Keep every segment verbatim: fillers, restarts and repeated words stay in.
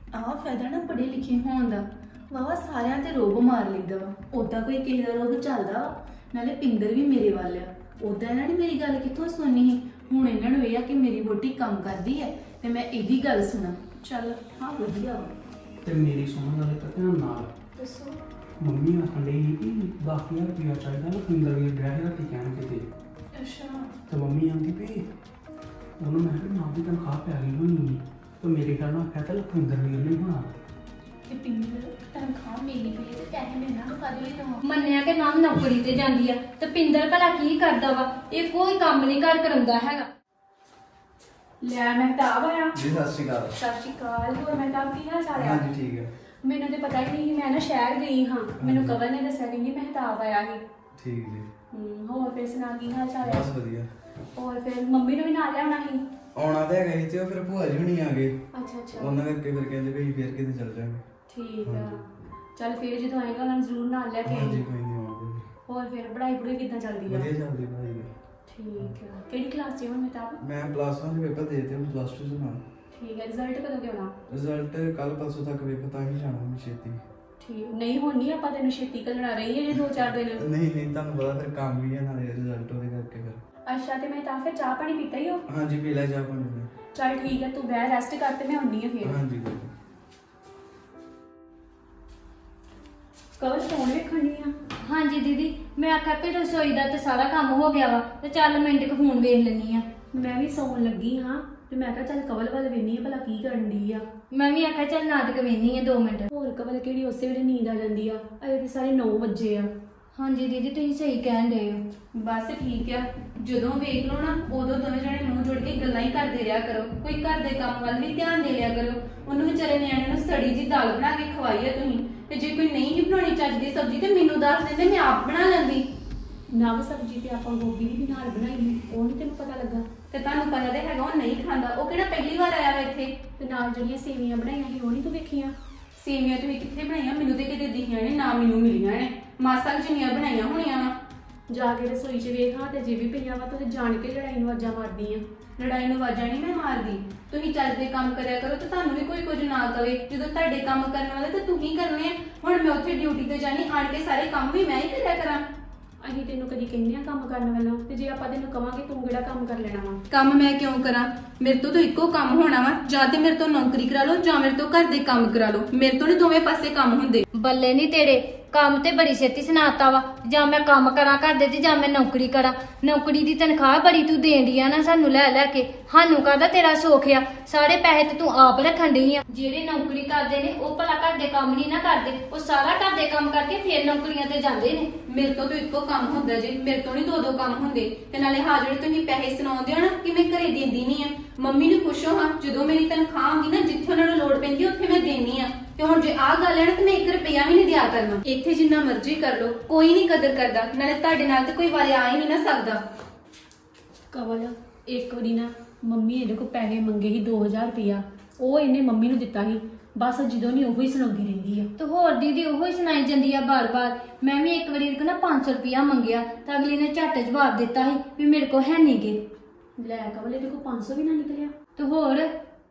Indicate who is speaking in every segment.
Speaker 1: ਆਹ ਫਾਇਦਾ ਨਾ ਪੜ੍ਹੇ ਲਿਖੇ ਹੋਣ ਦਾ ਵਾਵਾ ਸਾਰਿਆਂ ਤੇ ਰੋਬ ਮਾਰ ਲਈਦਾ ਵਾ। ਉਦਾਂ ਕੋਈ ਕਿਸੇ ਦਾ ਰੋਬ ਚੱਲਦਾ ਵਾ, ਨਾਲੇ ਪਿੰਦਰ ਵੀ ਮੇਰੇ ਵੱਲ ਆ। ਉਦਾਂ ਇਹਨਾਂ ਨੇ ਮੇਰੀ ਗੱਲ ਕਿੱਥੋਂ ਸੁਣਨੀ ਸੀ। ਹੁਣ ਇਹਨਾਂ ਨੂੰ ਇਹ ਆ ਕਿ ਮੇਰੀ ਵਹੁਟੀ ਕੰਮ ਕਰਦੀ ਹੈ ਤੇ ਮੈਂ ਇਹਦੀ ਗੱਲ ਸੁਣਾ। ਚੱਲ ਹਾਂ ਵਧੀਆ ਵਾ।
Speaker 2: ਤੇ ਮੇਰੀ ਸੁਣਨ ਵਾਲੇ ਤਾਂ ਧਿਆਨ ਨਾਲ
Speaker 1: ਦੱਸੋ।
Speaker 2: ਮੰਮੀ ਆਖਣ ਡਈ ਸੀ ਕਿ ਦਸ ਹਜ਼ਾਰ ਰੁਪਇਆ ਚਾਹੀਦਾ ਨਾ ਪਿੰਦਰ ਵੀ ਡਰਾਈਵਰ ਰਾਤੀ ਕਹਿਣ ਕਿਤੇ।
Speaker 1: ਅੱਛਾ।
Speaker 2: ਤੇ ਮੰਮੀ ਆਂਦੀ ਵੀ ਉਹਨੂੰ ਮੈਂ ਕਿਹਾ ਨਾ ਵੀ ਤਨਖਾਹ ਪੈ ਗਈ ਹੋਣੀ ਹੈ ਤੇ ਮੇਰੇ ਖਿਆਲ ਨਾਲ ਆਖਿਆ ਤਾਂ ਲਖਵਿੰਦਰ ਵੀ ਨਹੀਂ ਹੋਣਾ।
Speaker 1: ਤੇ ਪਿੰਦਰ ਤਨਖਾਹ ਮਿਲੀ ਪਈ ਤੇ ਪੈਸੇ ਮਿਲਣਾ ਨੂੰ ਕਦ ਲਈ ਦਵਾਂ।
Speaker 3: ਮੰਨਿਆ ਕਿ ਨਾਮ ਨੌਕਰੀ ਤੇ ਜਾਂਦੀ ਆ ਤੇ ਪਿੰਦਰ ਭਲਾ ਕੀ ਕਰਦਾ ਵਾ? ਇਹ ਕੋਈ ਕੰਮ ਨਹੀਂ ਘਰ ਕਰਾਉਂਦਾ ਹੈਗਾ।
Speaker 1: ਲੈ ਮਹਿਤਾਬ ਆਇਆ।
Speaker 4: ਜੀ ਸਤਿ ਸ਼੍ਰੀ ਅਕਾਲ।
Speaker 1: ਸਤਿ ਸ਼੍ਰੀ ਅਕਾਲ। ਹੋਰ ਮਹਿਤਾਬ ਕੀ ਹਾਲ ਚਾਲ ਆ?
Speaker 4: ਹਾਂਜੀ ਠੀਕ ਹੈ।
Speaker 1: ਮੈਨੂੰ ਤੇ ਪਤਾ ਹੀ ਨਹੀਂ, ਮੈਂ ਨਾ ਸ਼ਹਿਰ ਗਈ ਹਾਂ। ਮੈਨੂੰ ਕਵਲ ਨੇ ਦੱਸਿਆ ਕਿ ਮਹਿਤਾਬ ਆਇਆ ਸੀ।
Speaker 4: ਠੀਕ ਜੀ।
Speaker 1: ਹੂੰ ਹੋਰ ਫਿਰ ਸੁਣਾ ਕੀ ਹਾਲ ਚਾਲ ਆ?
Speaker 4: ਬਸ ਵਧੀਆ।
Speaker 1: ਹੋਰ ਫਿਰ ਮੰਮੀ ਨੂੰ ਵੀ ਨਾਲ ਲਿਆਉਣਾ ਸੀ।
Speaker 4: ਆਉਣਾ ਤਾਂ ਹੈਗਾ ਸੀ ਤੇ ਉਹ ਫਿਰ ਭੂਆ ਜੀ ਹੁਣੀ ਆ ਗਏ।
Speaker 1: ਅੱਛਾ ਅੱਛਾ
Speaker 4: ਉਹਨਾਂ ਕਰਕੇ ਫਿਰ ਕਹਿੰਦੇ ਵੀ ਫਿਰ ਕਿਤੇ ਚੱਲ ਜਾਵਾਂਗੇ।
Speaker 1: ਠੀਕ ਆ। ਚੱਲ ਫਿਰ ਜਦੋਂ ਆਏਗਾ ਉਹਨਾਂ ਨੂੰ ਜ਼ਰੂਰ ਨਾਲ ਲੈ ਕੇ
Speaker 4: ਹਾਂਜੀ
Speaker 1: ਆਈ।
Speaker 4: ਕੋਈ ਨਹੀਂ ਆਉਣਗੇ।
Speaker 1: ਹੋਰ ਫਿਰ ਪੜ੍ਹਾਈ ਪੜ੍ਹਾਈ ਕਿੱਦਾਂ ਚੱਲਦੀ ਆ?
Speaker 4: ਵਧੀਆ ਚੱਲਦੀ ਪੜ੍ਹਾਈ ਦੀ।
Speaker 1: ਠੀਕ ਆ। ਕਿਹੜੀ ਕਲਾਸ 'ਚ ਹੁਣ ਮਹਿਤਾਬ?
Speaker 4: ਮੈਂ ਪਲੱਸ ਵਨ ਦੇ ਪੇਪਰ ਦੇ ਦਿੱਤੇ, ਹੁਣ ਪਲੱਸ ਟੂ ਚ ਨਾ।
Speaker 1: ਠੀਕ ਹੈ। ਰਿਜ਼ਲਟ ਕਦੋਂ ਦੇਣਾ?
Speaker 4: ਰਿਜ਼ਲਟ ਕੱਲ ਪਰਸੋਂ ਤੱਕ ਵੇਖੋ ਤਾਂ ਹੀ ਜਾਣਾ ਮੈਂ ਛੇਤੀ।
Speaker 1: ਠੀਕ ਨਹੀਂ ਹੁਣ ਨਹੀਂ ਆਪਾਂ ਤੈਨੂੰ ਛੇਤੀ ਘੱਲਣਾ ਰਹੀ ਹੈ ਜੇ ਦੋ ਚਾਰ ਦਿਨ।
Speaker 4: ਨਹੀਂ ਨਹੀਂ ਤੁਹਾਨੂੰ ਪਤਾ ਫਿਰ ਕੰਮ ਵੀ ਹੈ ਨਾਲੇ ਰਿਜ਼ਲਟ ਉਹਦੇ ਕਰਕੇ ਫਿਰ।
Speaker 1: ਅੱਛਾ ਤੇ ਮਹਿਤਾਬ ਫਿਰ ਚਾਹ ਪਾਣੀ ਪੀਤਾ ਹੀ ਹੋ?
Speaker 4: ਹਾਂਜੀ ਪੀ ਲੈ ਜਾ ਪਾਣੀ ਮੈਂ।
Speaker 1: ਚੱਲ ਠੀਕ ਹੈ ਤੂੰ ਬਹਿ ਰੈਸਟ ਕਰ ਤੇ ਮੈਂ ਆਉਣੀ ਆ ਫਿਰ।
Speaker 4: ਹਾਂਜੀ ਕੋਈ ਨੀ।
Speaker 1: ਕਵਲ ਫੋਨ ਵੇਖਣ ਦੀ ਆ।
Speaker 3: ਹਾਂਜੀ ਦੀਦੀ, ਮੈਂ ਆਖਿਆ ਕਿ ਰਸੋਈ ਦਾ ਤੇ ਸਾਰਾ ਕੰਮ ਹੋ ਗਿਆ ਵਾ ਤੇ ਚੱਲ ਮਿੰਟ ਕੁ ਫੋਨ ਵੇਖ ਲੈਣੀ ਆ।
Speaker 1: ਮੈਂ ਵੀ ਸੌਣ ਲੱਗੀ ਹਾਂ ਤੇ ਮੈਂ ਕਿਹਾ ਚੱਲ ਕਵਲ ਵੱਲ ਵੇਖਨੀ ਆ ਭਲਾ ਕੀ ਕਰਨ ਦੀ ਆ।
Speaker 3: ਮੈਂ ਵੀ ਆਖਿਆ ਚੱਲ ਨਾਟਕ ਵੇਖਣੀ ਆ ਦੋ ਮਿੰਟ।
Speaker 1: ਹੋਰ ਕਵਲ ਕਿਹੜੀ ਉਸੇ ਵੇਲੇ ਨੀਂਦ ਆ ਜਾਂਦੀ ਆ। ਅਜੇ ਤੇ ਸਾਰੇ ਨੌ ਵਜੇ ਆ।
Speaker 3: ਹਾਂਜੀ ਦੀਦੀ, ਤੁਸੀਂ ਸਹੀ ਕਹਿਣ ਡਏ ਹੋ।
Speaker 1: ਬਸ ਠੀਕ ਆ। ਜਦੋਂ ਵੇਖ ਲਓ ਨਾ ਉਦੋਂ ਦੋਵੇਂ ਜਣੇ ਮੂੰਹ ਜੋੜ ਕੇ ਗੱਲਾਂ ਹੀ ਕਰਦੇ ਰਿਹਾ ਕਰੋ। ਕੋਈ ਘਰ ਦੇ ਕੰਮ ਵੱਲ ਵੀ ਧਿਆਨ ਦੇ ਲਿਆ ਕਰੋ। ਉਹਨੂੰ ਵਿਚਾਰੇ ਨਿਆਣੇ ਨੂੰ ਸੜੀ ਜੀ ਦਾਲ ਬਣਾ ਕੇ ਖਵਾਈ ਆ ਤੁਸੀਂ। ਤੇ ਜੇ ਕੋਈ ਨਹੀਂ ਹੀ ਬਣਾਉਣੀ ਚੱਜ ਦੀ ਸਬਜ਼ੀ ਤੇ ਮੈਨੂੰ ਦੱਸ ਦਿੰਦੇ, ਮੈਂ ਆਪ ਬਣਾ ਲੈਂਦੀ। ਨਵ ਸਬਜ਼ੀ ਤੇ ਆਪਾਂ ਗੋਭੀ ਦੀ ਵੀ ਨਾਲ ਬਣਾਈ ਸੀ, ਉਹ ਨਹੀਂ ਤੈਨੂੰ ਪਤਾ ਲੱਗਾ? ਤੇ ਤੁਹਾਨੂੰ ਪਤਾ ਤੇ ਹੈਗਾ ਉਹ ਨਹੀਂ ਖਾਂਦਾ। ਉਹ ਕਿਹੜਾ ਪਹਿਲੀ ਵਾਰ ਆਇਆ ਵਾ ਇੱਥੇ। ਤੇ ਨਾਲ ਜਿਹੜੀਆਂ ਸੇਵੀਆਂ ਬਣਾਈਆਂ ਸੀ ਉਹ ਨਹੀਂ ਤੂੰ ਵੇਖੀਆਂ? ਸੇਵੀਆਂ ਤੁਸੀਂ ਕਿੱਥੇ ਬਣਾਈਆਂ? ਮੈਨੂੰ ਤੇ ਕਿਤੇ ਦਿਖੀਆਂ ਨੇ ਨਾ ਮੈਨੂੰ ਮਿਲੀਆਂ ਨੇ। ਮਾਸਾ ਕੁ ਜਿੰਨੀਆਂ ਬਣਾਈਆਂ ਹੋਣੀਆਂ ਵਾ। ਜਾ ਕੇ ਰਸੋਈ 'ਚ ਵੇਖਾਂ ਤੇ ਜੇ ਵੀ ਪਈਆਂ ਵਾ ਤੇ ਜਾਣ ਕੇ ਲੜਾਈ ਨੂੰ ਆਵਾਜ਼ਾਂ ਮਾਰਦੀ ਆ। ਲੜਾਈ ਨੂੰ ਆਵਾਜ਼ਾਂ ਨਹੀਂ ਮੈਂ ਮਾਰਦੀ। ਤੁਸੀਂ ਚੱਜ ਦੇ ਕੰਮ ਕਰਿਆ ਕਰੋ ਤੇ ਤੁਹਾਨੂੰ ਵੀ ਕੋਈ ਕੁਝ ਨਾ ਕਵੇ। ਜਦੋਂ ਤੁਹਾਡੇ ਕੰਮ ਕਰਨ ਵਾਲੇ ਤੇ ਤੁਸੀਂ ਕਰਨੇ ਆ। ਹੁਣ ਮੈਂ ਉੱਥੇ ਡਿਊਟੀ ਤੇ ਜਾਣੀ, ਆਣ ਕੇ ਸਾਰੇ ਕੰਮ ਵੀ ਮੈਂ ਹੀ ਕਰਿਆ ਕਰਾਂ। ਅਸੀਂ ਤੈਨੂੰ ਕਦੀ ਕਹਿੰਦੇ ਆ ਕੰਮ ਕਰਨ ਵੱਲੋਂ, ਤੇ ਜੇ ਆਪਾਂ ਤੈਨੂੰ ਕਵਾਂਗੇ ਤੂੰ ਕਿਹੜਾ ਕੰਮ ਕਰ ਲੈਣਾ ਵਾ? ਕੰਮ ਮੈਂ ਕਿਉਂ ਕਰਾਂ? ਮੇਰੇ ਤੋਂ ਤਾਂ ਇੱਕੋ ਕੰਮ ਹੋਣਾ ਵਾ, ਜਾਂ ਤੇ ਮੇਰੇ ਤੋਂ ਨੌਕਰੀ ਕਰਾ ਲਓ ਜਾਂ ਮੇਰੇ ਤੋਂ ਘਰ ਦੇ ਕੰਮ ਕਰਾ ਲਓ। ਮੇਰੇ ਤੋਂ ਨਹੀਂ ਦੋਵੇਂ ਪਾਸੇ ਕੰਮ ਹੁੰਦੇ।
Speaker 3: ਬੱਲੇ ਨਹੀਂ ਤੇਰੇ, ਕੰਮ ਤੇ ਬੜੀ ਛੇਤੀ ਸੁਣਾਤਾ ਵਾ। ਜਾਂ ਮੈਂ ਕੰਮ ਕਰਾਂ ਘਰ ਦੇ ਤੇ ਜਾਂ ਮੈਂ ਨੌਕਰੀ ਕਰਾਂ। ਨੌਕਰੀ ਦੀ ਤਨਖਾਹ ਬੜੀ ਤੂੰ ਦੇਣ ਡਈ ਆ ਨਾ ਸਾਨੂੰ ਲੈ ਲੈ ਕੇ। ਸਾਨੂੰ ਕਾਹਦਾ ਤੇਰਾ ਸੁੱਖ ਆ? ਸਾਰੇ ਪੈਸੇ ਤੇ ਤੂੰ ਆਪ ਰੱਖਣ ਡਈ ਆ। ਜਿਹੜੇ ਨੌਕਰੀ ਕਰਦੇ ਨੇ ਉਹ ਭਲਾ ਘਰ ਦੇ ਕੰਮ ਨਹੀਂ ਨਾ ਕਰਦੇ। ਉਹ ਸਾਰਾ ਘਰ ਦੇ ਕੰਮ ਕਰਕੇ ਫਿਰ ਨੌਕਰੀਆਂ ਤੇ ਜਾਂਦੇ ਨੇ।
Speaker 1: ਮੇਰੇ ਤੋਂ ਤਾਂ ਇੱਕੋ ਕੰਮ ਹੁੰਦਾ ਜੇ, ਮੇਰੇ ਤੋਂ ਨਹੀਂ ਦੋ ਦੋ ਕੰਮ ਹੁੰਦੇ। ਤੇ ਨਾਲੇ ਹਾਂ ਜਿਹੜੇ ਤੁਸੀਂ ਪੈਸੇ ਸੁਣਾਉਂਦੇ ਹੋ ਨਾ ਕਿ ਮੈਂ ਘਰੇ ਦਿੰਦੀ ਨਹੀਂ ਆ, ਮੰਮੀ ਨੂੰ ਪੁੱਛੋ ਹਾਂ। ਜਦੋਂ ਮੇਰੀ ਤਨਖਾਹ ਆਉਂਦੀ ਨਾ ਜਿੱਥੇ ਉਹਨਾਂ ਨੂੰ ਲੋੜ ਪੈਂਦੀ ਉੱਥੇ ਮੈਂ ਦੇਣੀ ਆ। ਤੇ ਹੁਣ ਜੇ ਆਹ ਗੱਲ ਹੈ ਨਾ ਤੇ ਮੈਂ ਇੱਕ ਰੁਪਿਆ ਵੀ ਨਹੀਂ ਦਿਆ ਕਰਨਾ। ਇੱਥੇ ਜਿੰਨਾ ਮਰਜ਼ੀ ਕਰ ਲਓ, ਕੋਈ ਨਹੀਂ ਕਦਰ ਕਰਦਾ। ਨਾਲੇ ਤੁਹਾਡੇ ਨਾਲ ਤੇ ਕੋਈ ਵਾਰੇ ਆ ਹੀ ਨਹੀਂ ਨਾ ਸਕਦਾ। ਕਵਲ ਇੱਕ ਵਾਰੀ ਨਾ ਮੰਮੀ ਇਹਦੇ ਕੋਲ ਪੈਸੇ ਮੰਗੇ ਸੀ ਦੋ ਹਜ਼ਾਰ ਰੁਪਇਆ, ਉਹ ਇਹਨੇ ਮੰਮੀ ਨੂੰ ਦਿੱਤਾ ਸੀ। ਬਸ ਜਦੋਂ ਨਹੀਂ ਉਹੀ ਸੁਣਾਉਂਦੀ ਰਹਿੰਦੀ ਆ।
Speaker 3: ਤੇ ਹੋਰ ਦੀਦੀ ਉਹੋ ਹੀ ਸੁਣਾਈ ਜਾਂਦੀ ਆ ਬਾਰ-ਬਾਰ। ਮੈਂ ਵੀ ਇੱਕ ਵਾਰੀ ਇਹਦੇ ਕੋਲ ਨਾ ਪੰਜ ਸੌ ਰੁਪਇਆ ਮੰਗਿਆ ਤਾਂ ਅਗਲੀ ਨੇ ਝੱਟ ਜਵਾਬ ਦਿੱਤਾ ਸੀ ਵੀ ਮੇਰੇ ਕੋਲ ਹੈ ਨਹੀਂ ਗੇ।
Speaker 1: ਲੈ ਕਵਲ ਇਹਦੇ ਕੋਲ ਪੰਜ ਸੌ ਵੀ ਨਾ ਨਿਕਲਿਆ।
Speaker 3: ਤੇ ਹੋਰ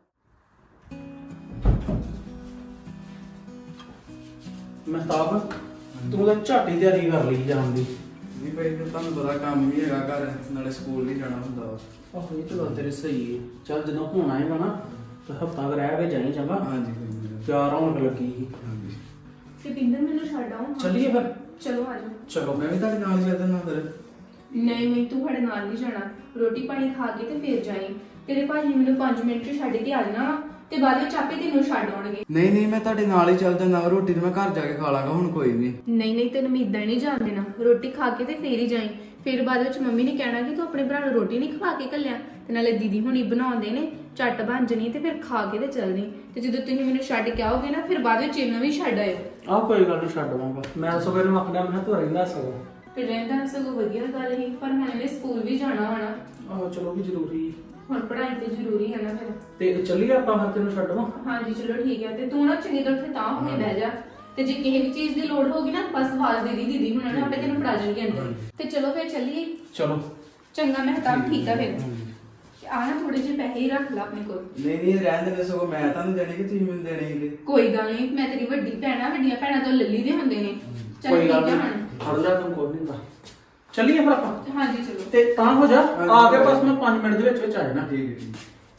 Speaker 2: ਮਹਿਤਾਬ ਤੂੰ ਤਾਂ ਝਾਟੀ ਤਿਆਰੀ ਕਰ ਲਈ ਜਾਣ ਦੀ।
Speaker 4: ਵੀ ਭਾਈ ਫਿਰ ਤੁਹਾਨੂੰ ਪਤਾ ਕੰਮ ਵੀ ਹੈਗਾ ਘਰ, ਨਾਲੇ ਸਕੂਲ ਨਹੀਂ ਜਾਣਾ ਹੁੰਦਾ ਵਾ।
Speaker 2: ਆਹੋ ਇਹ ਤਾਂ ਗੱਲ ਤੇਰੀ ਸਹੀ ਹੈ। ਚੱਲ ਜਦੋਂ ਹੁਣ ਆਏਗਾ ਨਾ ਤਾਂ ਹਫਤਾ ਕੁ ਰਹਿ ਕੇ ਜਾਈ ਚੰਗਾ।
Speaker 4: ਹਾਂਜੀ ਕੋਈ ਨੀ।
Speaker 2: ਤਿਆਰ ਹੋਣ ਲੱਗੀ ਸੀ।
Speaker 4: ਹਾਂਜੀ
Speaker 1: ਤੇ ਪਿੰਦਰ ਮੈਨੂੰ ਛੱਡ ਆਉਂ।
Speaker 2: ਚੱਲੀਏ ਫਿਰ।
Speaker 1: ਚਲੋ ਆ ਜਾਓ।
Speaker 2: ਚਲੋ
Speaker 4: ਮੈਂ ਵੀ ਤੁਹਾਡੇ ਨਾਲ ਚੱਲ ਜਾਣਾ ਫਿਰ।
Speaker 1: ਨਹੀਂ ਨਹੀਂ ਤੂੰ ਸਾਡੇ ਨਾਲ ਨਹੀਂ ਜਾਣਾ। ਰੋਟੀ ਪਾਣੀ ਖਾ ਕੇ ਤੇ ਫੇਰ ਜਾਈਂ। ਤੇਰੇ ਭਾਜੀ ਮੈਨੂੰ ਪੰਜ ਮਿੰਟ 'ਚ ਛੱਡ ਕੇ ਆ ਜਾਣਾ ਵਾ ਤੇ ਬਾਅਦ ਵਿੱਚ ਆਪੇ ਤੈਨੂੰ ਛੱਡ ਆਉਣਗੇ।
Speaker 4: ਨਹੀਂ ਨਹੀਂ ਮੈਂ ਤੁਹਾਡੇ ਨਾਲ ਹੀ ਚੱਲ ਜਾਣਾ। ਰੋਟੀ ਤੇ ਮੈਂ ਘਰ ਜਾ ਕੇ ਖਾ ਲਾਂਗਾ ਹੁਣ ਕੋਈ ਨਹੀਂ।
Speaker 1: ਨਹੀਂ ਨਹੀਂ ਤੈਨੂੰ ਮੈਂ ਇਦਾਂ ਨਹੀਂ ਜਾਣ ਦੇਣਾ। ਰੋਟੀ ਖਾ ਕੇ ਤੇ ਫੇਰ ਹੀ ਜਾਈਂ। ਫਿਰ ਬਾਅਦ ਵਿੱਚ ਮੰਮੀ ਨੇ ਕਹਿਣਾ ਕਿ ਤੂੰ ਆਪਣੇ ਭਰਾ ਨੂੰ ਰੋਟੀ ਨਹੀਂ ਖਵਾ ਕੇ ਘੱਲਿਆ। ਤੇ ਨਾਲੇ ਦੀਦੀ ਹੁਣੀ ਬਣਾਉਂਦੇ ਨੇ, ਝੱਟ ਬਣ ਜਣੀ ਤੇ ਫਿਰ ਖਾ ਕੇ ਤੇ ਚੱਲ ਜਾਈਂ। ਤੇ ਜਦੋਂ ਤੁਸੀਂ ਮੈਨੂੰ ਛੱਡ ਕੇ ਆਓਗੇ ਨਾ ਫਿਰ ਬਾਅਦ ਵਿੱਚ ਇਹਨੂੰ ਵੀ ਛੱਡ ਆਇਓ।
Speaker 2: ਆਹ ਕੋਈ ਗੱਲ ਨਹੀਂ, ਛੱਡ ਆਵਾਂਗਾ ਮੈਂ। ਸਵੇਰੇ ਨੂੰ ਆਖਦਾ ਮੈਂ ਤੂੰ ਰਹਿੰਦਾ ਸਗੋਂ।
Speaker 1: ਫਿਰ ਰਹਿੰਦਾ ਸਗੋਂ ਵਧੀਆ ਗੱਲ ਹੀ, ਪਰ ਮੈਂ ਇਹਨੇ ਸਕੂਲ ਵੀ ਜਾਣਾ ਹੋਣਾ।
Speaker 2: ਆਹੋ ਚਲੋ ਵੀ ਜ਼ਰੂਰੀ
Speaker 1: ਹੁਣ ਪੜ੍ਹਾਈ ਤੇ ਜ਼ਰੂਰੀ ਹੈ ਨਾ ਫਿਰ।
Speaker 2: ਤੇ ਚੱਲੀਏ ਆਪਾਂ ਫਿਰ ਤੈਨੂੰ ਛੱਡਵਾਂ।
Speaker 1: ਹਾਂਜੀ ਚਲੋ ਠੀਕ ਹੈ। ਤੇ ਤੂੰ ਨਾ ਚੰਗੀ ਤਰ੍ਹਾਂ ਉੱਥੇ ਤਾਂ ਹੋ ਕੇ ਬਹਿ ਜਾ। ਤੇ ਜੇ ਕਿਸੇ ਵੀ ਚੀਜ਼ ਦੀ ਲੋੜ ਹੋਗੀ ਨਾ ਬਸ ਆਵਾਜ਼ ਦੇ ਦੀ ਦੀਦੀ ਹੁਣਾਂ ਨੇ, ਆਪੇ ਤੈਨੂੰ ਫੜਾ ਜਾਣਗੇ ਅੰਦਰ। ਤੇ ਚਲੋ ਫਿਰ ਚੱਲੀਏ।
Speaker 2: ਚਲੋ
Speaker 1: ਚੰਗਾ ਮਹਿਤਾਬ, ਠੀਕ ਆ ਫਿਰ। ਆ ਨਾ ਥੋੜੇ ਜਿਹੇ ਪੈਸੇ ਹੀ ਰੱਖ ਲਾ ਆਪਣੇ ਕੋਲ।
Speaker 4: ਨਹੀਂ ਨਹੀਂ ਰਹਿਣ ਦੇ, ਸਗੋਂ ਮੈਂ ਤੁਹਾਨੂੰ ਦੇਣੇ ਕਿ ਤੁਸੀਂ ਮੈਨੂੰ ਦੇਣੇ ਸੀਗੇ।
Speaker 1: ਕੋਈ ਗੱਲ ਨਹੀਂ, ਮੈਂ ਤੇਰੀ ਵੱਡੀ ਭੈਣ ਆ, ਵੱਡੀਆਂ ਭੈਣਾਂ ਤੋਂ ਲੱਲੀ ਦੇ ਹੁੰਦੇ ਨੇ। ਚੱਲ
Speaker 2: ਕੋਈ
Speaker 1: ਠੀਕ
Speaker 2: ਗੱਲ
Speaker 1: ਆ
Speaker 2: ਨਹੀਂ,
Speaker 1: ਹੁਣ।
Speaker 2: ਫੜ ਲੈ ਤੂੰ ਕੋਈ ਨਹੀਂ ਹੁੰਦਾ। ਚੱਲੀਏ ਫਿਰ ਆਪਾਂ।
Speaker 1: ਹਾਂਜੀ ਚਲੋ।
Speaker 2: ਤੇ ਤਾਂ ਹੋ ਜਾ, ਆ ਕੇ ਬਸ ਮੈਂ ਪੰਜ ਮਿੰਟ ਦੇ ਵਿੱਚ ਵਿੱਚ ਆ ਜਾਣਾ।
Speaker 4: ਠੀਕ ਹੈ ਠੀਕ।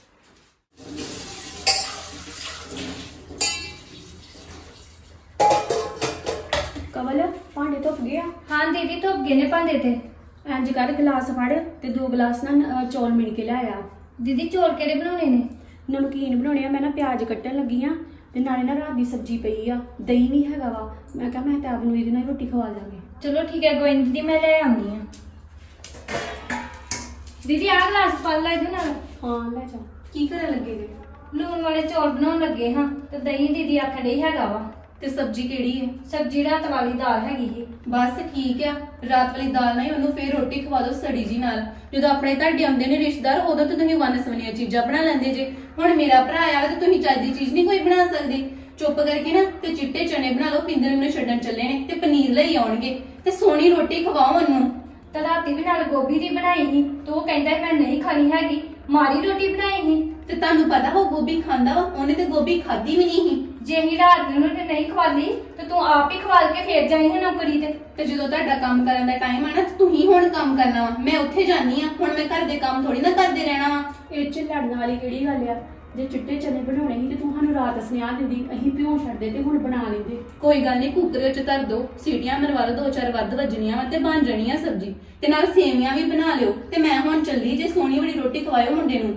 Speaker 5: ਕਵਲ ਭਾਂਡੇ ਧੁੱਪ ਗਿਆ।
Speaker 3: ਹਾਂ ਦੀਦੀ ਧੁੱਪ ਗਏ ਨੇ ਭਾਂਡੇ ਤੇ।
Speaker 5: ਇੰਜ ਕਰ ਗਲਾਸ ਫੜ ਤੇ ਦੋ ਗਲਾਸ ਨਾ ਅਹ, ਚੌਲ ਮਿਣ ਕੇ ਲਿਆਇਆ।
Speaker 3: ਦੀਦੀ ਚੌਲ ਕਿਹੜੇ ਬਣਾਉਣੇ ਨੇ?
Speaker 5: ਨਮਕੀਨ ਬਣਾਉਣੇ ਆ। ਮੈਂ ਨਾ ਪਿਆਜ਼ ਕੱਟਣ ਲੱਗੀ ਆ ਤੇ ਨਾਲੇ ਨਾ ਰਾਤ ਦੀ ਸਬਜ਼ੀ ਪਈ ਆ, ਦਹੀਂ ਵੀ ਹੈਗਾ ਵਾ। ਮੈਂ ਕਿਹਾ ਮੈਂ ਤਾਂ ਆਪ ਨੂੰ ਇਹਦੇ ਨਾਲ ਹੀ ਰੋਟੀ ਖਵਾ ਦਾਂਗੇ।
Speaker 3: ਚਲੋ ਠੀਕ ਹੈ ਗੋਇੰਦ ਦੀਦੀ ਮੈਂ ਲੈ ਆਉਂਦੀ ਆ। ਦੀਦੀ ਆਹ ਗਲਾਸ ਪਾ ਲੈ ਇਹਦੇ ਨਾਲ।
Speaker 5: ਹਾਂ ਲੈ ਜਾ।
Speaker 1: ਕੀ ਕਰਨ ਲੱਗੇ ਜੇ?
Speaker 3: ਲੂਣ ਵਾਲੇ ਚੌਲ ਬਣਾਉਣ ਲੱਗੇ ਹਾਂ ਤੇ ਦਹੀਂ ਦੀਦੀ ਆਖਣ ਡਈ ਹੈਗਾ ਵਾ।
Speaker 1: ਤੇ ਸਬਜ਼ੀ ਕਿਹੜੀ ਹੈ?
Speaker 3: ਸਬਜ਼ੀ ਰਾਤ ਵਾਲੀ ਦਾਲ ਹੈਗੀ ਸੀ।
Speaker 1: ਬਸ ਠੀਕ ਆ, ਰਾਤ ਵਾਲੀ ਦਾਲ ਨਾਲ ਹੀ ਉਹਨੂੰ ਫੇਰ ਰੋਟੀ ਖਵਾ ਦਿਓ ਸੜੀ ਜੀ ਨਾਲ। ਜਦੋਂ ਆਪਣੇ ਤੁਹਾਡੇ ਆਉਂਦੇ ਨੇ ਰਿਸ਼ਤੇਦਾਰ, ਉਦੋਂ ਤਾਂ ਤੁਸੀਂ ਵੰਨ ਸਵੰਨੀਆਂ ਚੀਜ਼ਾਂ ਬਣਾ ਲੈਂਦੇ ਜੇ। ਹੁਣ ਮੇਰਾ ਭਰਾ ਆਇਆ ਤੇ ਤੁਸੀਂ ਚੱਜ ਦੀ ਚੀਜ਼ ਨਹੀਂ ਕੋਈ ਬਣਾ ਸਕਦੇ। ਚੁੱਪ ਕਰਕੇ ਨਾ ਤੇ ਚਿੱਟੇ ਚਨੇ ਬਣਾ ਲਓ, ਪਿੰਦਰ ਨੂੰ ਛੱਡਣ ਚੱਲੇ ਨੇ ਤੇ ਪਨੀਰ ਲਈ ਆਉਣਗੇ ਤੇ ਸੋਹਣੀ ਰੋਟੀ ਖਵਾਓ ਉਹਨੂੰ।
Speaker 3: ਤੇ ਰਾਤੀ ਵੀ ਨਾਲ ਗੋਭੀ ਦੀ ਬਣਾਈ ਸੀ ਤੇ ਉਹ ਕਹਿੰਦਾ ਸੀ ਮੈਂ ਨਹੀਂ ਖਾਣੀ ਹੈਗੀ, ਮਾਰੀ ਰੋਟੀ ਬਣਾਈ ਸੀ।
Speaker 1: ਤੇ ਤੁਹਾਨੂੰ ਪਤਾ ਉਹ ਗੋਭੀ ਖਾਂਦਾ ਵਾ, ਉਹਨੇ ਤੇ ਗੋਭੀ ਖਾਧੀ ਵੀ ਨਹੀਂ ਸੀ।
Speaker 3: ਜੇ ਹੀ ਰਾਤ ਨੂੰ ਉਹਨੇ ਨਹੀਂ ਖਵਾਲੀ ਤੇ ਤੂੰ ਆਪ ਹੀ ਖਵਾਲ ਕੇ ਫੇਰ ਜਾਈ ਹੈ ਨੌਕਰੀ ਤੇ।
Speaker 1: ਤੇ ਜਦੋਂ ਤੁਹਾਡਾ ਕੰਮ ਕਰਨ ਦਾ ਟਾਈਮ ਆ ਨਾ, ਤੁਸੀਂ ਹੁਣ ਕੰਮ ਕਰਨਾ ਵਾ। ਮੈਂ ਉੱਥੇ ਜਾਨੀ ਆ, ਹੁਣ ਮੈਂ ਘਰ ਦੇ ਕੰਮ ਥੋੜੀ ਨਾ ਕਰਦੇ ਰਹਿਣਾ ਵਾ।
Speaker 5: ਇਹ ਚ ਲੜਨ ਵਾਲੀ ਕਿਹੜੀ ਗੱਲ ਆ? ਜੇ ਚਿੱਟੇ ਚਨੇ ਬਣਾਉਣੇ ਸੀ ਤੇ ਤੂੰ ਸਾਨੂੰ ਰਾਤ ਸੁਨੇਹਾ ਦਿੰਦੀ, ਅਸੀਂ ਭਿਉਂ ਛੱਡਦੇ ਤੇ ਹੁਣ ਬਣਾ ਲੈਂਦੇ।
Speaker 1: ਕੋਈ ਗੱਲ ਨਹੀਂ, ਕੁੱਕਰ ਵਿੱਚ ਧਰ ਦੋ, ਸੀਟੀਆਂ ਮਰਵਾ ਲਓ, ਦੋ ਚਾਰ ਵੱਧ ਵੱਜਣੀਆਂ ਵਾ ਤੇ ਬਣ ਜਾਣੀ ਆ ਸਬਜ਼ੀ। ਤੇ ਨਾਲ ਸੇਵੀਆਂ ਵੀ ਬਣਾ ਲਿਓ। ਤੇ ਮੈਂ ਹੁਣ ਚੱਲੀ ਜੇ, ਸੋਹਣੀ ਬੜੀ ਰੋਟੀ ਖਵਾਇਓ ਮੁੰਡੇ ਨੂੰ।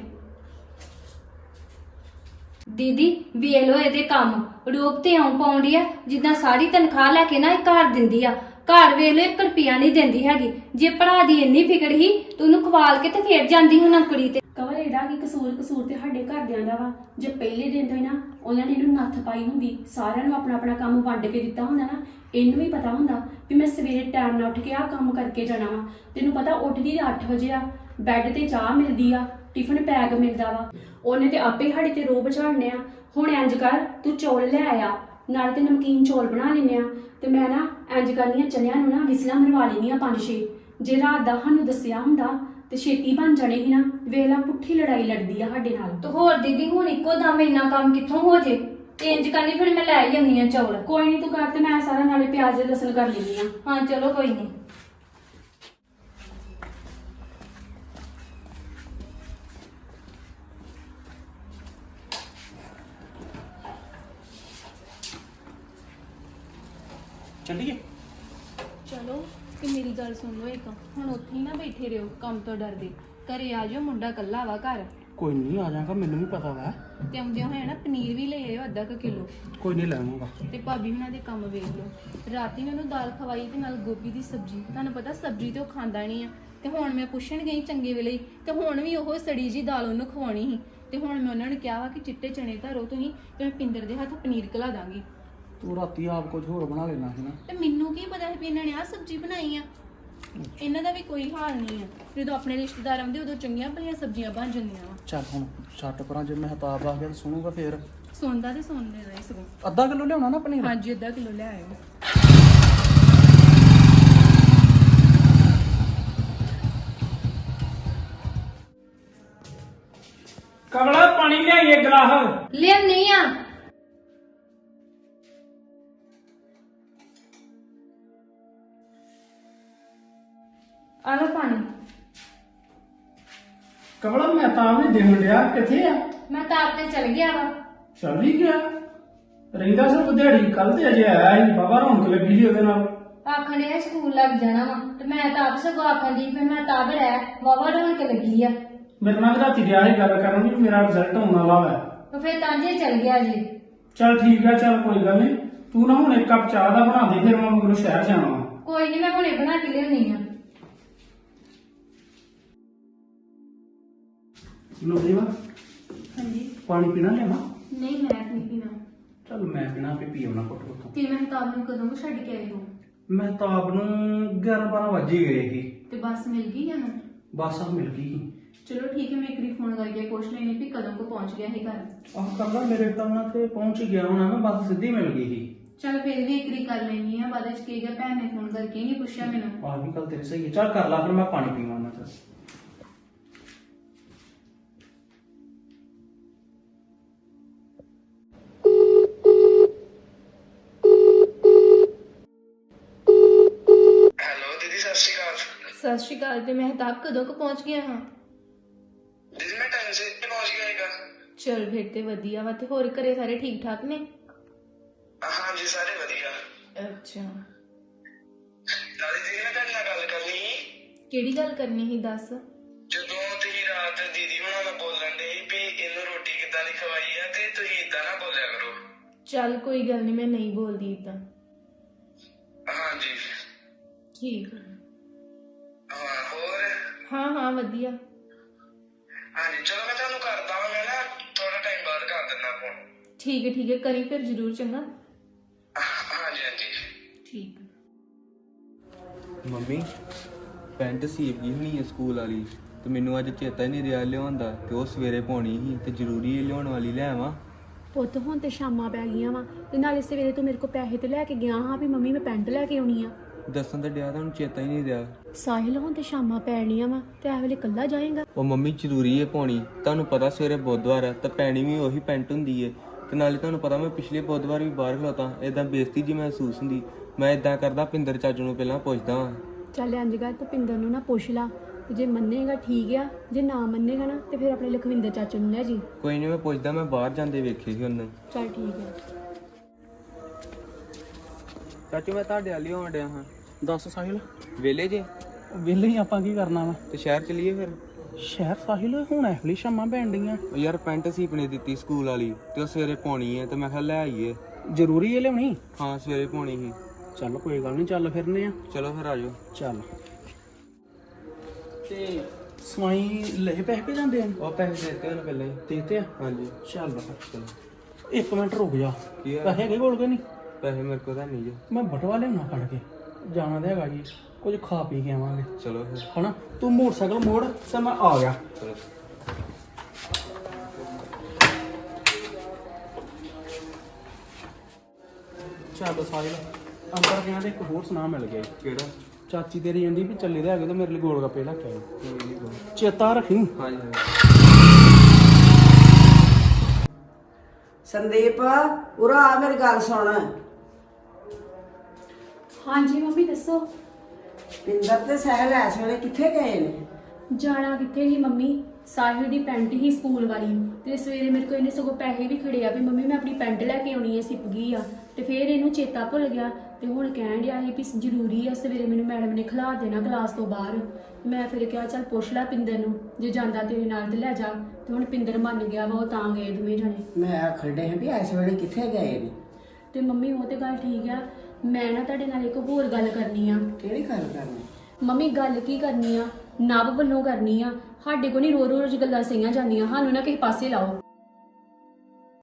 Speaker 3: ਦੀਦੀ ਵੇਖ ਲੋ ਇਹਦੇ ਕੰਮ, ਰੋਬ ਤੇ ਆਉਂ ਪਾਉਂਦੀ ਆ ਜਿੱਦਾਂ ਸਾਰੀ ਤਨਖਾਹ ਲੈ ਕੇ ਨਾ ਇਹ ਘਰ ਦਿੰਦੀ ਆ। ਘਰ ਵੇਖ ਲੋ ਇੱਕ ਰੁਪਿਆ ਨਹੀਂ ਦਿੰਦੀ ਹੈਗੀ। ਜੇ ਭਰਾ ਦੀ ਇੰਨੀ ਫਿਕਰ ਹੀ ਤੂੰ ਉਹਨੂੰ ਖਵਾਲ ਕੇ ਤੇ ਫੇਰ ਜਾਂਦੀ ਹੁਣ ਨੌਕਰੀ ਤੇ।
Speaker 5: ਕਵਲ ਇਹਦਾ ਕੀ ਕਸੂਰ? ਕਸੂਰ ਤੇ ਸਾਡੇ ਘਰਦਿਆਂ ਦਾ ਵਾ। ਜੇ ਪਹਿਲੇ ਦਿਨ ਤੋਂ ਹੀ ਨਾ ਉਹਨਾਂ ਨੇ ਇਹਨੂੰ ਨੱਥ ਪਾਈ ਹੁੰਦੀ, ਸਾਰਿਆਂ ਨੂੰ ਆਪਣਾ ਆਪਣਾ ਕੰਮ ਵੰਡ ਕੇ ਦਿੱਤਾ ਹੁੰਦਾ ਨਾ, ਇਹਨੂੰ ਵੀ ਪਤਾ ਹੁੰਦਾ ਵੀ ਮੈਂ ਸਵੇਰੇ ਟਾਈਮ ਨਾਲ ਉੱਠ ਕੇ ਆਹ ਕੰਮ ਕਰਕੇ ਜਾਣਾ ਵਾ। ਤੈਨੂੰ ਪਤਾ ਉੱਠਦੀ ਅੱਠ ਵਜੇ ਆ, ਬੈੱਡ ਤੇ ਚਾਹ ਮਿਲਦੀ ਆ, ਟਿਫਨ ਪੈਕ ਮਿਲਦਾ ਵਾ। ਉਹਨੇ ਤੇ ਆਪੇ ਸਾਡੇ ਤੇ ਰੋਬ ਝਾੜਨੇ ਆ। ਹੁਣ ਇੰਜ ਕਰ, ਤੂੰ ਚੌਲ ਲੈ ਆਇਆ, ਨਾਲੇ ਤੇ ਨਮਕੀਨ ਚੌਲ ਬਣਾ ਲੈਨੇ ਆ ਤੇ ਮੈਂ ਨਾ ਇੰਜ ਕਰਨੀਆਂ ਚਨਿਆਂ ਨੂੰ ਨਾ ਵਿਸਲਾਂ ਮਰਵਾ ਲੈਣੀਆਂ ਪੰਜ ਛੇ। ਜੇ ਰਾਤ ਦਾ ਸਾਨੂੰ ਦੱਸਿਆ ਹੁੰਦਾ ਤੇ ਛੇਤੀ ਬਣ ਜਾਣੇ ਸੀ ਨਾ। ਵੇਖ ਲਾ ਪੁੱਠੀ ਲੜਾਈ ਲੜਦੀ ਆ ਸਾਡੇ ਨਾਲ।
Speaker 3: ਤੇ ਹੋਰ ਦੀਦੀ ਹੁਣ ਇੱਕੋ ਦਮ ਇੰਨਾ ਕੰਮ ਕਿੱਥੋਂ ਹੋ ਜੇ? ਤੇ ਇੰਜ ਕਰਨੀ ਫਿਰ ਮੈਂ ਲੈ ਹੀ ਆਉਂਦੀ ਆ ਚੌਲ।
Speaker 5: ਕੋਈ ਨਹੀਂ, ਤੂੰ ਕਰ ਤੇ ਮੈਂ ਸਾਰਾ ਨਾਲੇ ਪਿਆਜ਼ ਤੇ ਲਸਣ ਕਰ ਲੈਂਦੀ ਆ।
Speaker 3: ਹਾਂ ਚਲੋ ਕੋਈ ਨਹੀਂ।
Speaker 2: ਚੱਲੀਏ।
Speaker 1: ਚਲੋ ਤੇ ਮੇਰੀ ਗੱਲ ਸੁਣ ਲਓ ਇੱਕ, ਹੁਣ ਉੱਥੇ ਹੀ ਨਾ ਬੈਠੇ ਰਹੋ ਕੰਮ ਤੋਂ ਡਰਦੇ। ਘਰੇ ਆ ਜਾਓ, ਮੁੰਡਾ ਕੱਲਾ ਵਾ ਘਰ।
Speaker 2: ਕੋਈ ਨਹੀਂ ਆ ਜਾਗਾ, ਮੈਨੂੰ ਵੀ ਪਤਾ ਵਾ।
Speaker 1: ਤੇ ਆਉਂਦੇ ਹੋਏ ਨਾ ਪਨੀਰ ਵੀ ਲੈ ਆਇਓ ਅੱਧਾ ਕੁ ਕਿਲੋ।
Speaker 2: ਕੋਈ ਨਹੀਂ ਲੈਵਾਂਗਾ।
Speaker 1: ਤੇ ਭਾਬੀ ਹੁਣਾਂ ਦੇ ਕੰਮ ਵੇਖ ਲਓ। ਰਾਤੀ ਮੈਂ ਉਹਨੂੰ ਦਾਲ ਖਵਾਈ ਤੇ ਨਾਲ ਗੋਭੀ ਦੀ ਸਬਜ਼ੀ। ਤੁਹਾਨੂੰ ਪਤਾ ਸਬਜ਼ੀ ਤੇ ਉਹ ਖਾਂਦਾ ਨਹੀਂ ਆ। ਤੇ ਹੁਣ ਮੈਂ ਪੁੱਛਣ ਗਈ ਚੰਗੇ ਵੇਲੇ ਹੀ, ਤੇ ਹੁਣ ਵੀ ਉਹ ਸੜੀ ਜੀ ਦਾਲ ਉਹਨੂੰ ਖਵਾਉਣੀ ਸੀ। ਤੇ ਹੁਣ ਮੈਂ ਉਹਨਾਂ ਨੂੰ ਕਿਹਾ ਵਾ ਕਿ ਚਿੱਟੇ ਚਨੇ ਧਰੋ ਤੁਸੀਂ, ਤੇ ਮੈਂ ਪਿੰਦਰ ਦੇ ਹੱਥ ਪਨੀਰ ਖਿਲਾ ਦਾਂਗੀ।
Speaker 2: ਤੂੰ ਰਾਤੀ ਆਪ ਕੁਝ ਹੋਰ ਬਣਾ ਲੈਣਾ ਸੀ ਨਾ।
Speaker 1: ਤੇ ਮੈਨੂੰ ਕੀ ਪਤਾ ਸੀ ਵੀ ਇਹਨਾਂ ਨੇ ਆਹ ਸਬਜ਼ੀ ਬਣਾਈ ਆ। ਇਹਨਾਂ ਦਾ ਵੀ ਕੋਈ ਹਾਲ ਨਹੀਂ ਆ। ਜਦੋਂ ਆਪਣੇ ਰਿਸ਼ਤੇਦਾਰ ਆਉਂਦੇ ਉਦੋਂ ਚੰਗੀਆਂ ਭਲੀਆਂ ਸਬਜ਼ੀਆਂ ਬਣ ਜਾਂਦੀਆਂ ਵਾ।
Speaker 2: ਚੱਲ ਹੁਣ ਛੱਟ ਪਰਾਂ, ਜੇ ਮਹਿਤਾਬ ਆ ਗਿਆ ਤਾਂ ਸੁਣੂਗਾ ਫੇਰ।
Speaker 1: ਸੁਣਦਾ ਤੇ ਸੁਣਦੇ ਰਹੇ ਸਗੋਂ।
Speaker 2: ਅੱਧਾ ਕਿਲੋ ਲਿਆਉਣਾ ਨਾ ਪਨੀਰ?
Speaker 1: ਹਾਂਜੀ ਅੱਧਾ ਕਿਲੋ ਲੈ ਆਇਓ।
Speaker 6: ਕਮਲਾ ਪਾਣੀ ਲਿਆਈਏ ਗਲਾਸ।
Speaker 3: ਲਿਆਉਣੀ ਆ। ਆ ਲਓ ਪਾਣੀ।
Speaker 6: ਕਮਲਾ ਮੈਂ ਤਾਂ ਵੀ ਦੇਖਣ ਡਿਆ, ਕਿੱਥੇ ਆ?
Speaker 3: ਮੈਂ ਤਾਂ ਆਪ ਤੇ ਚਲ ਗਿਆ ਵਾ।
Speaker 6: ਚੱਲ ਹੀ ਗਿਆ ਰਹਿੰਦਾ ਸਭ ਦਿਹਾੜੀ। ਕੱਲ ਤੇ ਅਜੇ ਆਇਆ ਹੀ, ਬਾਬਾ ਰੌਣਕ ਲੱਗੀ ਸੀ ਉਹਦੇ ਨਾਲ।
Speaker 3: ਆਖਣ ਡਿਆ ਸਕੂਲ ਲੱਗ ਜਾਣਾ ਵਾ ਤੇ ਮੈਂ ਤਾਂ ਆਪ ਸਗੋਂ ਆਖਣ ਦੀ ਫਿਰ ਮੈਂ ਤਾਂ ਬੜਿਆ ਵਾਵਾ ਰੌਣਕ ਲੱਗੀ ਆ।
Speaker 6: ਮੇਰੇ ਨਾਲ ਵੀ ਰਾਤੀ ਗਿਆ ਸੀ ਗੱਲ ਕਰਨ ਵੀ ਮੇਰਾ ਰਿਜ਼ਲਟ ਹੋਣ ਵਾਲਾ ਵਾ।
Speaker 3: ਤੇ ਫਿਰ ਤਾਂ ਜੇ ਚਲ ਗਿਆ ਜੀ।
Speaker 6: ਚੱਲ ਠੀਕ ਆ, ਚੱਲ ਕੋਈ ਗੱਲ ਨਹੀਂ। ਤੂੰ ਨਾ ਹੁਣ ਇੱਕ ਕੱਪ ਚਾਹ ਦਾ ਬਣਾ ਦੇ, ਫਿਰ ਮੈਂ ਮਗਰੋਂ ਸ਼ਹਿਰ ਜਾਣਾ ਵਾ।
Speaker 3: ਕੋਈ ਨਹੀਂ, ਮੈਂ ਹੁਣੇ ਬਣਾ ਕੇ ਲਿਆਉਣੀ ਆ।
Speaker 2: ਲੋਦੀਵਾ
Speaker 1: ਹਾਂਜੀ।
Speaker 2: ਪਾਣੀ ਪੀਣਾ ਲੈਵਾ?
Speaker 1: ਨਹੀਂ ਮੈਂ ਨਹੀਂ ਪੀਣਾ।
Speaker 2: ਚੱਲ ਮੈਂ ਪੀਣਾ, ਆਪੇ ਪੀ ਆਉਣਾ ਘੁੱਟ ਘੁੱਟ।
Speaker 1: ਤੇ ਮਹਿਤਾਬ ਨੂੰ ਕਦੋਂ ਕੁ ਛੱਡ ਕੇ ਆਏ ਹੋ?
Speaker 2: ਮਹਿਤਾਬ ਨੂੰ ਗਿਆਰਾਂ ਬਾਰਾਂ ਵਜੇ ਹੀ ਗਏ ਸੀ।
Speaker 1: ਤੇ ਬੱਸ ਮਿਲ ਗਈ ਜਾਂ ਨਾ?
Speaker 2: ਬੱਸ ਆ ਮਿਲ ਗਈ ਸੀ।
Speaker 1: ਚਲੋ ਠੀਕ ਹੈ, ਮੈਂ ਇੱਕ ਵਾਰੀ ਫੋਨ ਕਰਕੇ ਪੁੱਛ ਲੈਣੀ ਵੀ ਕਦੋਂ ਕੋ ਪਹੁੰਚ ਗਿਆ ਹੈ ਘਰ।
Speaker 2: ਆਹ ਕਰਦਾ ਮੇਰੇ ਤਾਂ ਨਾ ਤੇ ਪਹੁੰਚ ਹੀ ਗਿਆ ਹੋਣਾ, ਮੈਂ ਬੱਸ ਸਿੱਧੀ ਮਿਲ ਗਈ ਸੀ।
Speaker 1: ਚਲ ਫਿਰ ਵੀ ਇੱਕ ਵਾਰੀ ਕਰ ਲੈਣੀ ਆ, ਬਾਅਦ ਵਿੱਚ ਕੀ ਗਿਆ ਭੈਣ ਨੇ ਫੋਨ ਕਰਕੇ ਨਹੀਂ ਪੁੱਛਿਆ ਮੈਨੂੰ।
Speaker 2: ਆਹ ਵੀ ਗੱਲ ਤੇਰੀ ਸਹੀ ਹੈ। ਚੱਲ ਕਰ ਲਾ, ਫਿਰ ਮੈਂ ਪਾਣੀ ਪੀਵਾਂ ਨਾ। ਚੱਲ
Speaker 1: ਸਤਿ ਸ਼੍ਰੀ ਅਕਾਲ। ਤੇ ਮਹਿਤਾਬ ਕਦੋਂ ਕੁ ਪਹੁੰਚ ਗਿਆ ਹਾਂ?
Speaker 7: ਦੀਦੀ ਮੈਂ ਟਾਈਮ ਸੇ ਪਹੁੰਚ ਗਿਆ ਹੈਗਾ।
Speaker 1: ਚਲ ਫਿਰ ਤੇ ਵਧੀਆ ਵਾ। ਤੇ ਹੋਰ ਘਰੇ ਸਾਰੇ ਠੀਕ ਠਾਕ ਨੇ?
Speaker 7: ਹਾਂਜੀ ਸਾਰੇ ਵਧੀਆ।
Speaker 1: ਅੱਛਾ,
Speaker 7: ਨਾਲੇ ਦੀਦੀ ਮੈਂ ਤੁਹਾਡੇ ਨਾਲ ਗੱਲ ਕਰਨੀ ਸੀ।
Speaker 1: ਕਿਹੜੀ ਗੱਲ ਕਰਨੀ ਸੀ ਦੱਸ।
Speaker 7: ਜਦੋਂ ਤੁਸੀਂ ਰਾਤ ਦੀਦੀ ਹੁਣਾਂ ਨਾਲ ਬੋਲਣ ਦੇ ਵੀ ਇਹਨੂੰ ਰੋਟੀ ਕਿੱਦਾਂ ਦੀ ਖਵਾਈ ਆ ਤੇ ਤੁਸੀਂ ਇਦਾਂ ਨਾ ਬੋਲਿਆ ਕਰੋ।
Speaker 1: ਚੱਲ ਕੋਈ ਗੱਲ ਨਹੀਂ, ਮੈਂ ਨਹੀਂ ਬੋਲਦੀ ਇਦਾਂ।
Speaker 7: ਹਾਂਜੀ
Speaker 1: ਠੀਕ ਆ।
Speaker 7: ਹਾਂ ਹੋਰ?
Speaker 1: ਹਾਂ ਹਾਂ ਵਧੀਆ।
Speaker 7: ਹਾਂਜੀ ਚਲੋ ਮੈਂ ਤੁਹਾਨੂੰ ਕਰਦਾ ਵਾਂ, ਮੈਂ ਨਾ ਥੋੜਾ ਟਾਈਮ ਬਾਅਦ ਕਰ ਦਿੰਦਾ ਫੋਨ।
Speaker 1: ਠੀਕ ਹੈ ਠੀਕ ਹੈ, ਕਰੀ ਫਿਰ ਜ਼ਰੂਰ। ਚੰਗਾ,
Speaker 7: ਹਾਂਜੀ ਹਾਂਜੀ
Speaker 1: ਠੀਕ ਆ।
Speaker 4: ਮੰਮੀ ਪੈਂਟ ਸੀਪ ਗਈ ਹੋਣੀ ਹੈ ਸਕੂਲ ਵਾਲੀ, ਤੇ ਮੈਨੂੰ ਅੱਜ ਚੇਤਾ ਹੀ ਨਹੀਂ ਰਿਹਾ ਲਿਆਉਣ ਦਾ, ਤੇ ਉਹ ਸਵੇਰੇ ਪਾਉਣੀ ਸੀ ਤੇ ਜ਼ਰੂਰੀ ਲਿਆਉਣ ਵਾਲੀ ਲੈ ਆਵਾਂ।
Speaker 5: ਪੁੱਤ ਹੁਣ ਤੇ ਸ਼ਾਮਾਂ ਪੈ ਗਈਆਂ ਵਾ ਤੇ ਨਾਲੇ ਸਵੇਰੇ ਤੂੰ ਮੇਰੇ ਕੋਲ ਪੈਸੇ ਤੇ ਲੈ ਕੇ ਗਿਆ ਹਾਂ ਵੀ ਮੰਮੀ ਮੈਂ ਪੈਂਟ ਲੈ ਕੇ ਆਉਣੀ ਆ।
Speaker 4: ਦੱਸਣ ਤਾਂ ਡਿਆ, ਤੁਹਾਨੂੰ ਚੇਤਾ ਹੀ ਨਹੀਂ ਰਿਹਾ।
Speaker 5: ਸਾਹਿਲ ਹੁਣ ਤੇ ਸ਼ਾਮਾਂ ਪੈਣੀਆਂ ਵਾ ਤੇ ਇਹ ਵੇਲੇ ਇਕੱਲਾ ਜਾਏਗਾ?
Speaker 4: ਉਹ ਮੰਮੀ ਜ਼ਰੂਰੀ ਹੈ ਪਾਉਣੀ, ਤੁਹਾਨੂੰ ਪਤਾ ਸਵੇਰੇ ਬੁੱਧਵਾਰ ਹੈ ਤਾਂ ਪੈਣੀ ਵੀ ਉਹੀ ਪੈਂਟ ਹੁੰਦੀ ਹੈ, ਤੇ ਨਾਲੇ ਤੁਹਾਨੂੰ ਪਤਾ ਮੈਂ ਪਿਛਲੇ ਬੁੱਧਵਾਰ ਵੀ ਬਾਹਰ ਖਲੋਤਾ, ਇਦਾਂ ਬੇਇੱਜ਼ਤੀ ਜੀ ਮਹਿਸੂਸ ਹੁੰਦੀ। ਮੈਂ ਇਦਾਂ ਕਰਦਾ, ਪਿੰਦਰ ਚਾਚੂ ਨੂੰ ਪਹਿਲਾਂ ਪੁੱਛਦਾ ਵਾਂ।
Speaker 5: ਚੱਲ ਇੰਝ ਕਰ ਤੂੰ ਪਿੰਦਰ ਨੂੰ ਨਾ ਪੁੱਛ ਲਾ ਤੇ ਜੇ ਮੰਨੇਗਾ ਠੀਕ ਆ, ਜੇ ਨਾ ਮੰਨੇਗਾ ਨਾ ਤੇ ਫਿਰ ਆਪਣੇ ਲਖਵਿੰਦਰ ਚਾਚੂ ਨੂੰ ਲੈ ਜੀ।
Speaker 4: ਕੋਈ ਨਹੀਂ, ਮੈਂ ਪੁੱਛਦਾ, ਮੈਂ ਬਾਹਰ ਜਾਂਦੇ ਵੇਖੇ ਸੀ ਉਹਨੂੰ।
Speaker 5: ਚੱਲ ਠੀਕ ਹੈ।
Speaker 4: ਚਾਚੂ ਮੈਂ ਤੁਹਾਡੇ ਵਾਲੀ ਆਉਣ ਡਿਆ ਹਾਂ।
Speaker 2: ਦੱਸ ਸਾਹਿਲ,
Speaker 4: ਵੇਲੇ ਜੇ
Speaker 2: ਵਿਹਲੇ ਹੀ ਆਪਾਂ ਕੀ ਕਰਨਾ ਵਾ?
Speaker 4: ਤੇ ਸ਼ਹਿਰ ਚਲੀਏ ਫਿਰ।
Speaker 2: ਸ਼ਹਿਰ ਸਾਹਿਲ ਹੁਣ ਇਹੋ ਜਿਹੀ ਸ਼ਾਮਾਂ ਪੈਣ ਡੀਆਂ।
Speaker 4: ਉਹ ਯਾਰ ਪੈਂਟ ਸੀਪਨੇ ਦਿੱਤੀ ਸਕੂਲ ਵਾਲੀ, ਤੇ ਉਹ ਸਵੇਰੇ ਪਾਉਣੀ ਹੈ, ਤੇ ਮੈਂ ਕਿਹਾ ਲੈ ਆਈਏ।
Speaker 2: ਜ਼ਰੂਰੀ ਹੈ ਲਿਆਉਣੀ?
Speaker 4: ਹਾਂ ਸਵੇਰੇ ਪਾਉਣੀ ਸੀ।
Speaker 2: ਚੱਲ ਕੋਈ ਗੱਲ ਨਹੀਂ, ਚੱਲ ਫਿਰਨੇ ਆ।
Speaker 4: ਚਲੋ ਫਿਰ ਆ ਜਾਓ।
Speaker 2: ਚੱਲ ਤੇ ਸਵਾਈ ਲੈ ਪੈਸੇ ਪੇ ਜਾਂਦੇ ਆ?
Speaker 4: ਉਹ ਪੈਸੇ ਦਿੱਤੇ ਉਹਨੂੰ ਪਹਿਲਾਂ ਹੀ।
Speaker 2: ਦੇਤੇ ਆ?
Speaker 4: ਹਾਂਜੀ
Speaker 2: ਚੱਲ
Speaker 4: ਚਲੋ।
Speaker 2: ਇੱਕ ਮਿੰਟ ਰੁਕ ਜਾ।
Speaker 4: ਕੀ ਆ?
Speaker 2: ਪੈਸੇ ਹੈਗੇ ਕੋਲ ਕੇ ਨਹੀਂ?
Speaker 4: ਪੈਸੇ ਮੇਰੇ ਕੋਲ ਤਾਂ ਨਹੀਂ ਜੋ।
Speaker 2: ਮੈਂ ਬਟਵਾ ਲਿਆਉਣਾ ਫੜ ਕੇ, ਜਾਣਾ ਤਾਂ ਹੈਗਾ ਜੀ, ਕੁਝ ਖਾ ਪੀ ਕੇ ਆਵਾਂਗੇ
Speaker 4: ਚਲੋ ਫਿਰ।
Speaker 2: ਹਨਾ। ਤੂੰ ਮੋਟਰਸਾਈਕਲ ਮੋੜ ਤੇ ਮੈਂ ਆ ਗਿਆ।
Speaker 4: ਚਲੋ।
Speaker 2: ਚੱਲ ਸਾਹਿਲ, ਅੰਦਰ ਗਿਆ ਤੇ ਇੱਕ ਹੋਰ ਸੁਨਾ ਮਿਲ ਗਿਆ ਜੀ।
Speaker 4: ਕਿਹੜਾ?
Speaker 2: ਚਾਚੀ ਤੇਰੀ ਕਹਿੰਦੀ ਵੀ ਚੱਲੇ ਦੇ ਹੈਗੇ ਤੇ ਮੇਰੇ ਲਈ ਗੋਲ ਗੱਪੇ ਲੈ ਕੇ ਆਇਓ।
Speaker 4: ਕੋਈ ਨਹੀਂ ਕੋਈ।
Speaker 2: ਚੇਤਾ ਰੱਖੀ।
Speaker 4: ਹਾਂਜੀ ਹਾਂਜੀ।
Speaker 8: ਸੰਦੀਪ ਉਰਾ ਆ ਮੇਰੀ ਗੱਲ ਸੁਣ।
Speaker 5: ਹਾਂਜੀ ਮੰਮੀ ਦੱਸੋ।
Speaker 8: ਪਿੰਦਰ ਤੇ ਸਹਿਲ ਇਸ ਵੇਲੇ ਕਿੱਥੇ ਗਏ ਨੇ?
Speaker 5: ਜਾਣਾ ਕਿੱਥੇ ਸੀ ਮੰਮੀ, ਸਾਹਿਲ ਦੀ ਪੈਂਟ ਹੀ ਸਕੂਲ ਵਾਲੀ ਤੇ ਸਵੇਰੇ ਮੇਰੇ ਕੋਲ ਇਹਨੇ ਸਗੋਂ ਪੈਸੇ ਵੀ ਖੜੇ ਆ ਵੀ ਮੰਮੀ ਮੈਂ ਆਪਣੀ ਪੈਂਟ ਲੈ ਕੇ ਆਉਣੀ ਹੈ, ਸਿਪ ਗਈ ਆ। ਤੇ ਫਿਰ ਇਹਨੂੰ ਚੇਤਾ ਭੁੱਲ ਗਿਆ ਤੇ ਹੁਣ ਕਹਿਣ ਡਿਆ ਸੀ ਵੀ ਜ਼ਰੂਰੀ ਆ, ਸਵੇਰੇ ਮੈਨੂੰ ਮੈਡਮ ਨੇ ਖਿਲਾ ਦੇਣਾ ਕਲਾਸ ਤੋਂ ਬਾਹਰ। ਮੈਂ ਫਿਰ ਕਿਹਾ ਚੱਲ ਪੁੱਛ ਲੈ ਪਿੰਦਰ ਨੂੰ, ਜੇ ਜਾਂਦਾ ਤੇਰੇ ਨਾਲ ਤੇ ਲੈ ਜਾ। ਤੇ ਹੁਣ ਪਿੰਦਰ ਮੰਨ ਗਿਆ ਵਾ, ਉਹ ਤਾਂ ਗਏ ਦੋਵੇਂ ਜਣੇ।
Speaker 8: ਮੈਂ ਆਖੜੇ ਹਾਂ ਵੀ ਇਸ ਵੇਲੇ ਕਿੱਥੇ ਗਏ ਨੇ?
Speaker 5: ਤੇ ਮੰਮੀ ਉਹ ਤੇ ਗੱਲ ਠੀਕ ਆ, ਮੈਂ ਨਾ ਤੁਹਾਡੇ ਨਾਲ ਇੱਕ ਹੋਰ ਗੱਲ ਕਰਨੀ ਆ।
Speaker 8: ਕਿਹੜੀ ਗੱਲ ਕਰਨੀ?
Speaker 5: ਮੰਮੀ ਗੱਲ ਕੀ ਕਰਨੀ ਆ, ਨਵ ਵੱਲੋਂ ਕਰਨੀ ਆ। ਸਾਡੇ ਕੋਲ ਨਹੀਂ ਰੋ ਰੋਜ਼ ਗੱਲਾਂ ਸਹੀਆਂ ਜਾਂਦੀਆਂ, ਸਾਨੂੰ ਨਾ ਕਿਸੇ ਪਾਸੇ ਲਾਓ।